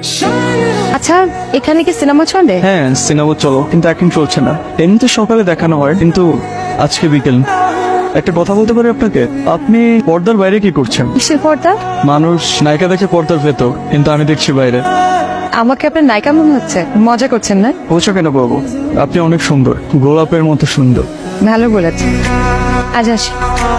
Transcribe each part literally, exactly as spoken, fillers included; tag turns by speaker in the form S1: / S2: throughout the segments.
S1: আচ্ছা, এখানে কি সিনেমা চলে?
S2: হ্যাঁ, সিনেমা চলো, কিন্তু এখন চলছে না। এমনিতে সকালে দেখানো হয়, কিন্তু আজকে বিকেল। একটা কথা বলতে পারি আপনাকে? আপনি পর্দার বাইরে কি করছেন?
S1: কিসের পর্দা?
S2: মানুষ নায়িকা দেখে পর্দার ভেতর, কিন্তু আমি দেখছি বাইরে।
S1: আমাকে আপনার নায়িকা মনে হচ্ছে? মজা করছেন না?
S2: বলছো কেন বাবু? আপনি অনেক সুন্দর, গোলাপের মতো সুন্দর।
S1: ভালো বলেছেন। আজ আসি।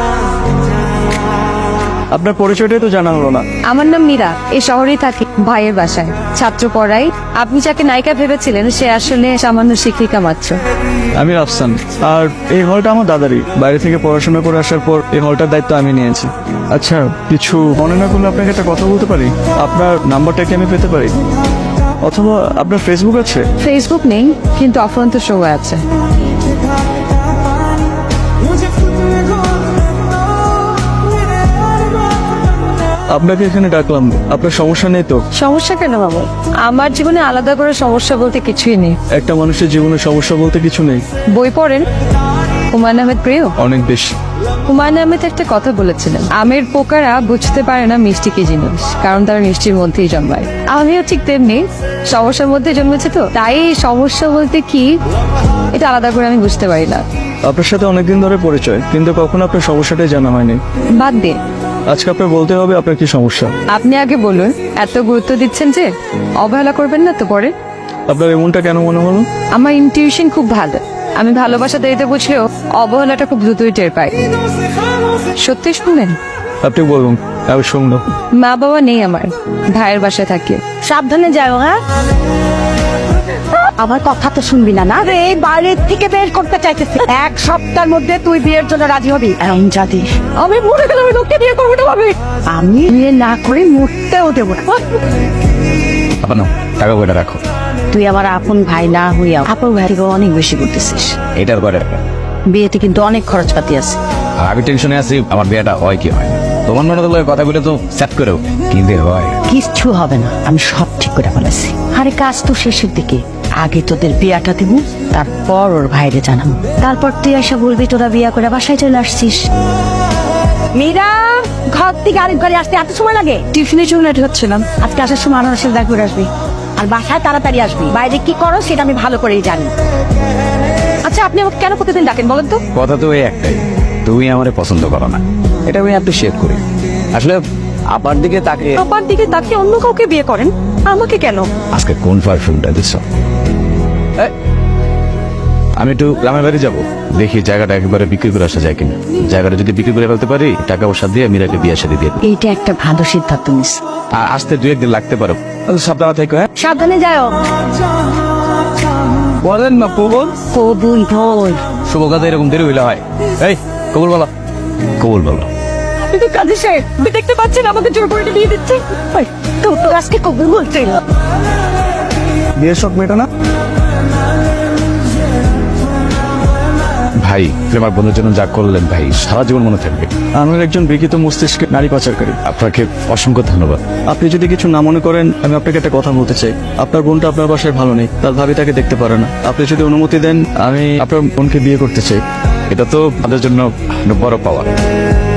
S2: আপনার পরিচয়টাই তো জানা হলো না।
S1: আমার নাম মীরা, এই শহরেই থাকি, ভাইয়ের বাসায় ছাত্র পড়াই। আপনি যাকে নায়িকা ভেবেছিলেন সে আসলে সামান্য শিক্ষিকা মাত্র।
S2: আমি রাফসান, আর এই হলটা আমার দাদারই। বাইরে থেকে পড়াশোনা করে আসার পর এই হলটার দায়িত্ব আমি নিয়েছি। আচ্ছা, কিছু মনে না করলে আপনাকে একটা কথা বলতে পারি? আপনার নাম্বারটা কি আমি পেতে পারি? অথবা আপনার ফেসবুক আছে?
S1: ফেসবুক নেই, কিন্তু অফুরন্ত শো আছে।
S2: আপনাকে এখানে ডাকলাম, আপনার সমস্যা নেই তো?
S1: সমস্যা কেন বাবু? আমার জীবনে আলাদা করে সমস্যা বলতে কিছুই নেই।
S2: একটা মানুষের জীবনে সমস্যা বলতে কিছু নেই।
S1: বই পড়েন? হুমায়ুন আহমেদ প্রিয়?
S2: অনেক বেশি।
S1: হুমায়ুন আহমেদ একটা কথা বলেছিলেন, আমের পোকারা বুঝতে পারে না মিষ্টি কি জিনিস, কারণ তারা মিষ্টির মধ্যেই জন্মায়। আমিও ঠিক তেমনি সমস্যার মধ্যে জন্মেছি, তো তাই সমস্যা বলতে কি এটা আলাদা করে আমি বুঝতে পারি না।
S2: আপনার সাথে অনেকদিন ধরে পরিচয়, কিন্তু কখনো আপনার সমস্যাটাই জানা হয়নি।
S1: বাদ দিন,
S2: আজকে আপনার বলতে হবে আপনার কি সমস্যা।
S1: আপনি আগে বলুন। এত গুরুত্ব দিচ্ছেন যে, অবহেলা করবেন না তো পরে।
S2: আপনার এমনটা কেন মনে হলো?
S1: আমার ইনটিউশন খুব ভালো। আমি ভালোবাসা দেরিতে বুঝলেও অবহেলাটা খুব দ্রুতই টের পাই। সত্যি শুনলেন?
S2: আপনি বলুন, আমি শুনলাম।
S1: মা বাবা নেই আমার, ভাইয়ের বাসায় থাকি।
S3: সাবধানে যাও। হ্যাঁ, আমার কথা তো শুনবি না? না রে, এই বাইরের থেকে বের করতে চাইতেছি। এক সপ্তাহের মধ্যে তুই বিয়ের জন্য রাজি হবি। এমন জাতি আমি মরে গেলে আমি লোককে বিয়ে করবো না ভাবি। আমি বিয়ে না করে মরতেও দেবো না।
S4: আপন টাকা কয়টা রাখো।
S3: তুই আমার আপন ভাই না হইয়া আপন ভাই থেকে অনেক বেশি করতেছিস।
S4: এটার কয়টা টাকা?
S3: বিয়েতে কিন্তু অনেক খরচপাতি আছে।
S4: আর আমি টেনশনে আছি আমার বিয়েটা হয় কি হয় না। তোমার মনে হলো কথাগুলো তো সেট করেও কিন্তু হয়
S3: কিচ্ছু হবে না, আমি সব ঠিক করে ফেলেছি। আরে কাজ তো শেষের দিকে, আগে তোদের বিয়াটা দিব, তারপর ওর ভাইরে জানাবো। তারপর তুই এসে বলবি তোরা বিয়া করে বাসায় চলে আসছিস। মীরা, ঘর থেকে আরেক ঘরে আসতে এত সময় লাগে? টিফিনের জন্য রেডি হচ্ছিলাম। আজকে আসার সময় আনার সাথে দেখা করে আসবি, আর বাসায় তাড়াতাড়ি আসবি। বাইরে কি করো সেটা আমি ভালো করেই জানি।
S1: আচ্ছা, আপনি আমাকে কেন প্রতিদিন ডাকেন বলেন তো?
S4: কথা তো এই একটাই, তুমি আমারে পছন্দ করো না। এটা আমি অ্যাপ্রিশিয়েট করি। আসলে আপার দিকে তাকে
S1: আপার দিকে তাকে অন্য কাউকে বিয়ে করেন, আমাকে কেন?
S4: আজকে কোন পারফিউমটা দিচ্ছ? আমি একটু গ্রামের বাড়ি যাবো, দেখি জায়গাটা একেবারে বিক্রি করে আসা যায় কিনা। জায়গাটা যদি বিক্রি করে ফেলতে পারি, টাকা পয়সা দিয়ে মীরাকে বিয়ে সাথে দিয়ে।
S3: এইটা একটা ভালো সিদ্ধান্ত নিস।
S4: আর আসতে দু একদিন লাগতে পারো, সাবধানে থেকো। হ্যাঁ,
S3: সাবধানে যাও।
S4: বলেন না কবুল।
S3: কবুল বল।
S4: শুভ কথা এরকম দেরি হইলে হয়। এই কবুল বলো, কবুল বলো।
S3: আপনি তো কাজে সাহেব, আপনি দেখতে পাচ্ছেন আমাকে জোর করে দিয়ে দিচ্ছে। তো তো আজকে কবুল বলছে।
S2: বিয়ের শখ মেটা না?
S4: ভাই, প্রেমার বন্ধুর জন্য যা করলেন ভাই, সারা জীবন মনে থাকবে।
S2: আমার একজন বিকৃত মস্তিষ্কে নারী পাচারকারী।
S4: আপনাকে অসংখ্য ধন্যবাদ।
S2: আপনি যদি কিছু না মনে করেন, আমি আপনাকে একটা কথা বলতে চাই। আপনার বোনটা আপনার বাসায় ভালো নেই, তার ভাবি তাকে দেখতে পারে না। আপনি যদি অনুমতি দেন, আমি আপনার বোনকে বিয়ে করতে চাই।
S4: এটা তো আমাদের জন্য বড় পাওয়া।